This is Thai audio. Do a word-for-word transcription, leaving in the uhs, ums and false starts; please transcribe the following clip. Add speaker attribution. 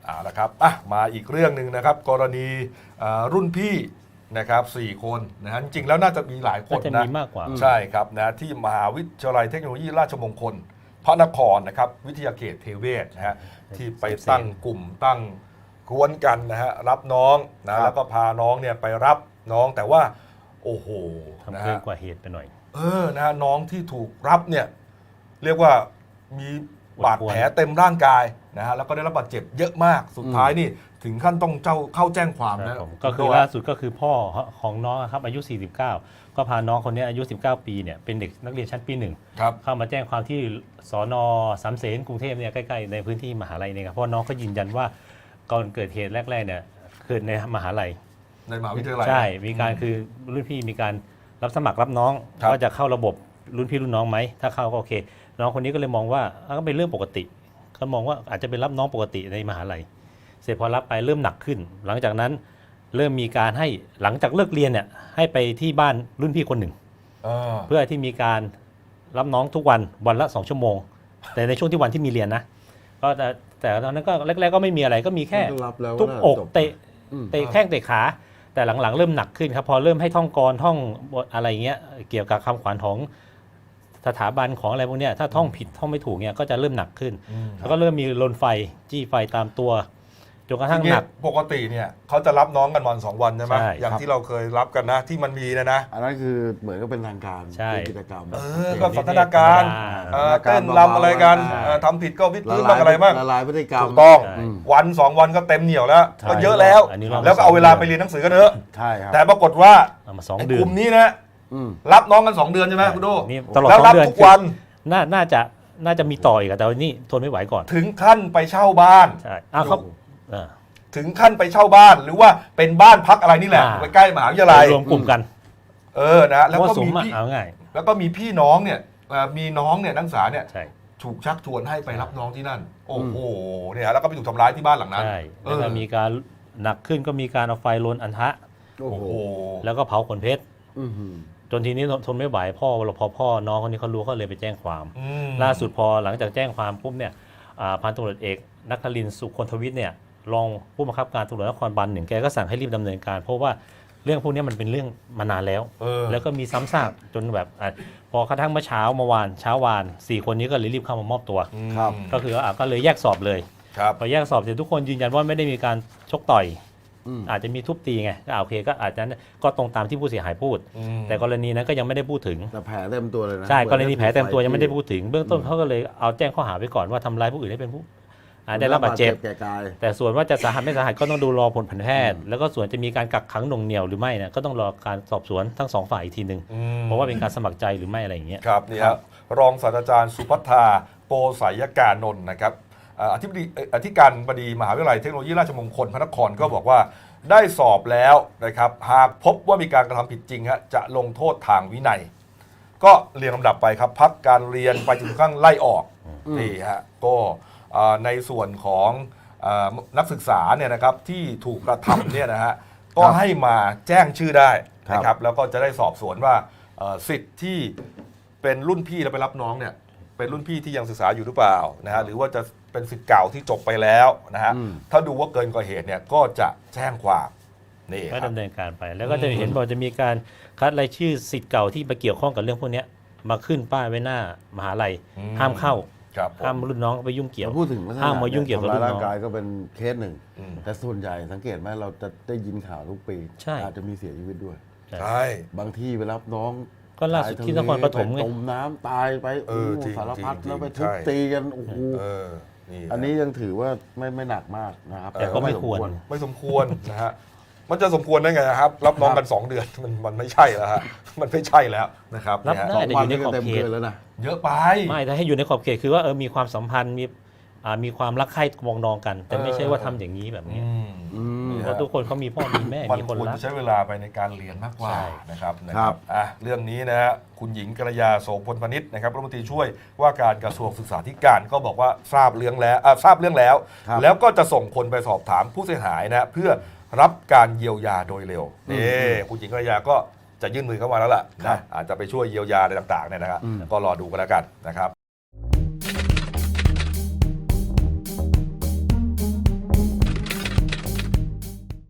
Speaker 1: อ่าละครับอ่ะมาอีกเรื่องหนึ่งนะครับกรณีรุ่นพี่นะครับสี่คนนะฮะจริงๆแล้วน่าจะมีหลายคนนะ
Speaker 2: จะมีมากกว่า
Speaker 1: ใช่ครับนะที่มหาวิทยาลัยเทคโนโลยีราชมงคลพระนครนะครับวิทยาเขตเทเวศนะฮะที่ไปตั้งกลุ่มตั้งกวนกันนะฮะรับน้องนะแล้วก็พาน้องเนี่ยไปรับน้องแต่ว่าโอ้โหนะ
Speaker 2: ทำเกิน
Speaker 1: ฮะ
Speaker 2: กว่าเหตุไปหน่อย
Speaker 1: เออนะฮะน้องที่ถูกรับเนี่ยเรียกว่ามีบาดแผลเต็มร่างกายนะฮะแล้วก็ได้รับบาดเจ็บเยอะมากสุดท้ายนี่ถึงขั้นต้องเจ้าเข้าแจ้งความนะ
Speaker 2: ก็คือล่าสุดก็คือพ่อของน้องครับอายุสี่สิบเก้าก็พาน้องคนนี้อายุสิบเก้าปีเนี่ยเป็นเด็กนักเรียนชั้นปีหนึ่งเข้ามาแจ้งความที่สน.สามเสนกรุงเทพเนี่ยใกล้ๆในพื้นที่มหาลัยเนี่ยครับเพราะน้องก็ยืนยันว่าก่อนเกิดเหตุแรกๆเนี่ยเกิดในมหาลัย
Speaker 1: ในมหาวิทยาลัย
Speaker 2: ใช่มีการคือรุ่นพี่มีการรับสมัครรับน้องว่าจะเข้าระบบรุ่นพี่รุ่นน้องไหมถ้าเข้าก็โอเคน้องคนนี้ก็เลยมองว่าก็เป็นเรื่องปกติเขามองว่าอาจจะเป็นรับน้องปกติในมหาลัยเสร็จพอรับไปเริ่มหนักขึ้นหลังจากนั้นเริ่มมีการให้หลังจากเลิกเรียนเนี่ยให้ไปที่บ้านรุ่นพี่คนหนึ่งเพื่อที่มีการรับน้องทุกวันวันละสองชั่วโมงแต่ในช่วงที่วันที่มีเรียนนะก็แต่แต่ตอนนั้นก็แรกๆก็ไม่มีอะไรก็มีแค่ทุบอกเตะเตะแข้งเตะขาแต่หลังๆเริ่มหนักขึ้นครับพอเริ่มให้ท่องกรท่องอะไรเงี้ยเกี่ยวกับคำขวัญของสถาบันของอะไรพวกนี้ถ้าท่องผิดท่องไม่ถูกเนี่ยก็จะเริ่มหนักขึ้นแล้วก็เริ่มมีลนไฟจี้ไฟตามตัวจนกระทั่งหนัก
Speaker 1: ปกติเนี่ยเขาจะรับน้องกันวันสองวันใช่ไหมอย่างที่เราเคยรับกันนะที่มันมีนะนะ
Speaker 3: อันนั้นคือเหมือนก็เป็นทางการกิจกรรม
Speaker 1: เออก็สันทนาการเต้นรำอะไรกันทำผิดก็วิทย์พื้นบ้างอะไรบ้าง
Speaker 3: ละลายพฤติกรรม
Speaker 1: ถูกต้องวันสองวันก็เต็มเหนียวแล้วก็เยอะแล้วแล้วก็เอาเวลาไปเรียนหนังสือกันเถอะ
Speaker 3: ใช่ครับ
Speaker 1: แต่ปรากฏว่าไอ้กลุ่มนี้นะรับน้องกันสองเดือนใช่ไหมคุณดู
Speaker 2: แล้วรับทุกวันน่าจะน่าจะมีต่ออีกแต่วันนี้ทนไม่ไหวก่อน
Speaker 1: ถึงขั้นไปเช่าบ้าน
Speaker 2: ใช่อ้าวเขา
Speaker 1: ถึงขั้นไปเช่าบ้านหรือว่าเป็นบ้านพักอะไรนี่แหละไปใกล้มหาวิทยาลัย
Speaker 2: รวมกลุ่มกัน
Speaker 1: เออนะแล้วก็มี
Speaker 2: พี่เอาง่าย
Speaker 1: แล้วก็มีพี่น้องเนี่ยมีน้องเนี่ยนักศึกษาเนี่ยถูกชักชวนให้ไปรับน้องที่นั่นโอ้โหเนี่ยแล้วก็ไปถูกทำร้ายที่บ้านหลังนั้น
Speaker 2: ใช่แล้วก็มีการหนักขึ้นก็มีการเอาไฟลนอันทะ
Speaker 1: โอ้โห
Speaker 2: แล้วก็เผาขนเพชรจนทีนี้ทนไม่ไหวพ่อพอพ่อน้องคนนี้เขารู้เขาเลยไปแจ้งความล่าสุดพอหลังจากแจ้งความปุ๊บเนี่ยพันตำรวจเอกนักครินทร์สุคนทวิทย์เนี่ยรองผู้บังคับการตำรวจนครบาลหนึ่งแกก็สั่งให้รีบดำเนินการเพราะว่าเรื่องพวกนี้มันเป็นเรื่องมานานแล้วแล้วก็มีซ้ำซากจนแบบพอกระทั่งเมื่อเช้าเมื่อวานเช้าวานสี่คนนี้ก็เลยรีบเข้ามามอบตัวก็คือก็เลยแยกสอบเลยพอแยกสอบเสร็จทุกคนยืนยันว่าไม่ได้มีการชกต่อยอาจจะมีทุบตีไงก็โอเคก็อาจจะก็ตรงตามที่ผู้เสียหายพูดแต่กรณีนั้นก็ยังไม่ได้พูดถึง
Speaker 3: แต่แผลเต็มตัวเลยนะ
Speaker 2: ใช่กรณีแผลเต็มตัวยังไม่ได้พูดถึงเบื้องต้นเขาก็เลยเอาแจ้งข้อหาไว้ก่อนว่าทำร้ายผู้อื่นให้เป็นผู้ได้รับบาดเจ็บแต่ส่วนว่าจะสาหัสไม่สาหัสก็ต้องดูรอผลแพทย์แล้วก็ส่วนจะมีการกักขังหน่วงเหนี่ยวหรือไม่นะก็ต้องรอการสอบสวนทั้งสองฝ่ายอีกทีหนึ่งเพราะว่าเป็นการสมัครใจหรือไม่อะไรอย่างเงี้ย
Speaker 1: ครับนี่ครับรองศาสตราจารย์สุภัทราโปสายกานนท์นะครับอธิบดีอธิการบดีมหาวิทยาลัยเทคโนโลยีราชมงคลพระนครก็บอกว่าได้สอบแล้วนะครับหากพบว่ามีการกระทำผิดจริงฮะจะลงโทษทางวินัยก็เรียนลำดับไปครับพักการเรียนไปถึงขั้นไล่ออกนี่ฮะก็ในส่วนของนักศึกษาเนี่ยนะครับที่ถูกกระทำเนี่ยนะฮะก็ให้มาแจ้งชื่อได้นะครับแล้วก็จะได้สอบสวนว่าสิทธิ์ที่เป็นรุ่นพี่แล้วไปรับน้องเนี่ยเป็นรุ่นพี่ที่ยังศึกษาอยู่หรือเปล่านะฮะหรือว่าจะเป็นสิทธิ์เก่าที่จบไปแล้วนะฮะถ้าดูว่าเกินกว่าเหตุเนี่ยก็จะแจ้งความนี่
Speaker 2: ก็ดำเนินการไปแล้วก็จะเห็นบอกจะมีการคัดรายชื่อสิทธิ์เก่าที่ไปเกี่ยวข้องกับเรื่องพวกนี้มาขึ้นป้ายไว้หน้ามหาลัยห้ามเข้าห้ามรุ่นน้องไปยุ่งเกี่ยว
Speaker 3: พูดถึง
Speaker 2: ห้ามมายุ่งเกี่ยวกับรุ่นน้อง
Speaker 3: ร่างกายก็เป็นเคสหนึ่งแต่ส่วนใหญ่สังเกตไหมเราจะได้ยินข่าวทุกปีอาจจะมีเสียชีวิตด้วย
Speaker 1: ใช่
Speaker 3: บางที่ไปรับน้อง
Speaker 2: ก็ล่าสุดที่นครปฐมไง
Speaker 3: จมน้ำตายไปโอ้สารพัดแล้วไปทุบตีกันโอ้โหอันนี้ยังถือว่าไม่ไม่หนักมากนะครับ
Speaker 2: แต่ก็ไม่ควร
Speaker 1: ไม่สมควรนะฮะมันจะสมควรได้ไงครับรับน้องกันสองเดือนมันมันไม่ใช่แล้วฮะมันไม่ใช่แล้วนะครับ
Speaker 2: รับได้แต่อยู่ในขอบเขต
Speaker 3: แล้วนะ
Speaker 1: เยอะไป
Speaker 2: ไม่ถ้าให้อยู่ในขอบเขตคือว่าเออมีความสัมพันธ์มีมีความรักใคร่มองนองกันแต่ไม่ใช่ว่าทำอย่างนี้แบบนี้เพราะทุกคนเขามีพ่อมีแม่มีคนรัก
Speaker 1: มันควรจะใช้เวลาไปในการเรียนมากกว่านะครับนะครับอ่ะเรื่องนี้นะฮะคุณหญิงกัลยาโสพลพนิชนะครับรัฐมนตรีช่วยว่าการกระทรวงศึกษาธิการก็บอกว่าทราบเรื่องแล้วทราบเรื่องแล้วแล้วก็จะส่งคนไปสอบถามผู้เสียหายนะเพื่อรับการเยียวยาโดยเร็วนี่คุณหญิงกัลยาก็จะยื่นมือเข้ามาแล้วล่ะนะอาจจะไปช่วยเยียวยาอะไรต่างๆเนี่ยนะครับก็รอดูกันแล้วกันนะครับ